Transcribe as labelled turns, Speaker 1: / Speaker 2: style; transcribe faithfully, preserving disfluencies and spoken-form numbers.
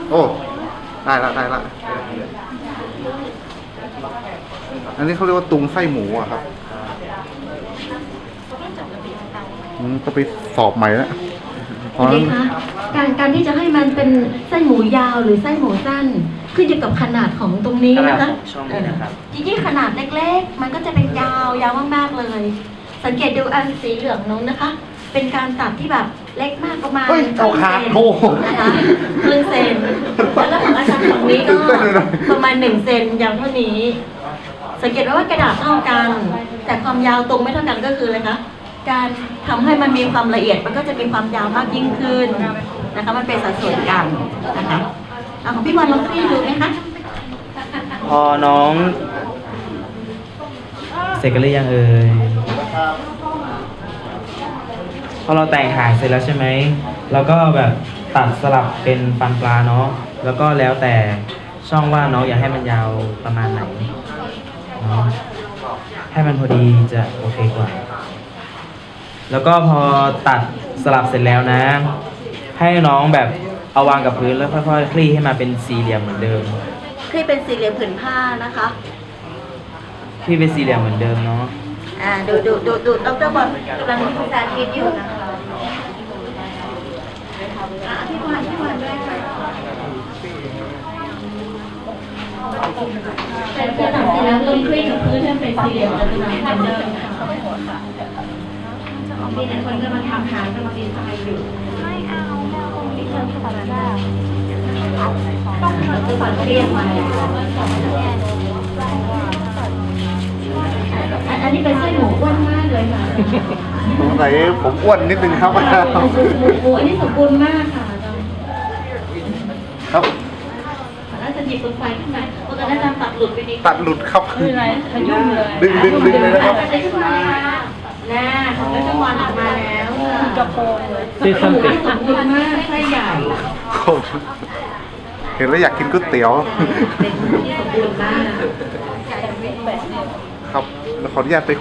Speaker 1: โอ้ได้ละได้ละอันนี้เขาเรียกว่าตุงไส้หมูอะครับอืมก็ไปสอบใหม่แล้วเพราะ
Speaker 2: เด็
Speaker 1: นั้น
Speaker 2: กคะการการที่จะให้มันเป็นไส้หมูยาวหรือไส้หมูสั้นขึ้นอยู่กับขนาดของตรงนี้นะคะ
Speaker 3: ช่องนี้นะครับ
Speaker 2: จริงๆขนาดเล็กๆ มันก็จะเป็นยาวยาวมากๆเลย สังเกตดูอันสีเหลืองนู้นนะคะ เป็นการตัดที่แบบเล็กมากประมาณ
Speaker 1: เฮ้ยเอาขาดโถ
Speaker 2: นะคะครึ่งเซนแล้วของอาจารย์ฝั่งนี้ก็ประมาณหนึ่งเซนยาวเท่านี้ สังเกตว่ากระดาษเท่ากัน แต่ความยาวตรงไม่เท่ากันก็คืออะไรคะการทำให้มันมีความละเอียดมันก็จะมีความยาวมากยิ่งขึ้นนะคะมันเป็นสัดส่วนกันนะคะเอาของพี่บอลลองคลี่ดูไหมคะ
Speaker 3: พอน้องเสร็จกันหรือยังเอ่ยพอเราแต่งหางเสร็จแล้วใช่ไหมเราก็แบบตัดสลับเป็นฟันปลาเนาะแล้วก็แล้วแต่ช่องว่าน้องอยากให้มันยาวประมาณไหนเนาะให้มันพอดีจะโอเคกว่า แล้วก็พอตัดสลับเสร็จแล้วนะ ให้น้องแบบเอาวางกับพื้นแล้วค่อยๆคลี่ให้มาเป็นสี่เหลี่ยมเหมือนเดิม
Speaker 2: คลี่เป็นสี่เหลี่ยมผืนผ้านะคะ
Speaker 3: คลี่เป็นสี่เหลี่ยมเหมือนเดิมเนาะ
Speaker 2: อ่าดูดูดูดูดรบอลกำลังมีสาธิตอยู่นะคะอ่ะพี่บอลพี่บอลด้วยค่ะแต่พอตัดเสร็จแล้วลงคลี่กับพื้นให้เป็นสี่เหลี่ยมแล้วจะเหมือนเดิมค่ะมีแต่คนกำลังทำหางกำลังดีไซน์อยู่ไม่เอาไม่เอาตรงนี้มันตัดได้ต้องตัดเรียงมาอันนี้เป็นไส้หมูอ้วนมากเลยค่ะ
Speaker 1: สงสัยผมอ้วนนิดนึงครับ
Speaker 2: หมูหมูอันนี้สมบูรณ์มากค่ะ
Speaker 1: ครับ
Speaker 2: แล้วจะหยิบไฟขึ้นมาเพราะตอนนั้นตัดหลุดไปนิด
Speaker 1: ตัดหลุดครับ
Speaker 2: คืออะไรมันยุ่งเลย
Speaker 1: ดึงดึงดึงเลยนะครับ
Speaker 2: ตัดขึ้นมาเลยค่ะแน่ของรัชมอนออกมาแล้วกระโปรงเลย
Speaker 3: ที่ส้นติด
Speaker 2: สมบูรณ์มากไส้ใหญ่
Speaker 1: เห็นแล้วอยากกินก๋วยเตี๋ยว
Speaker 2: เป็นที่สมบูรณ์มาก
Speaker 1: ครับแล้วขออนุญาตไป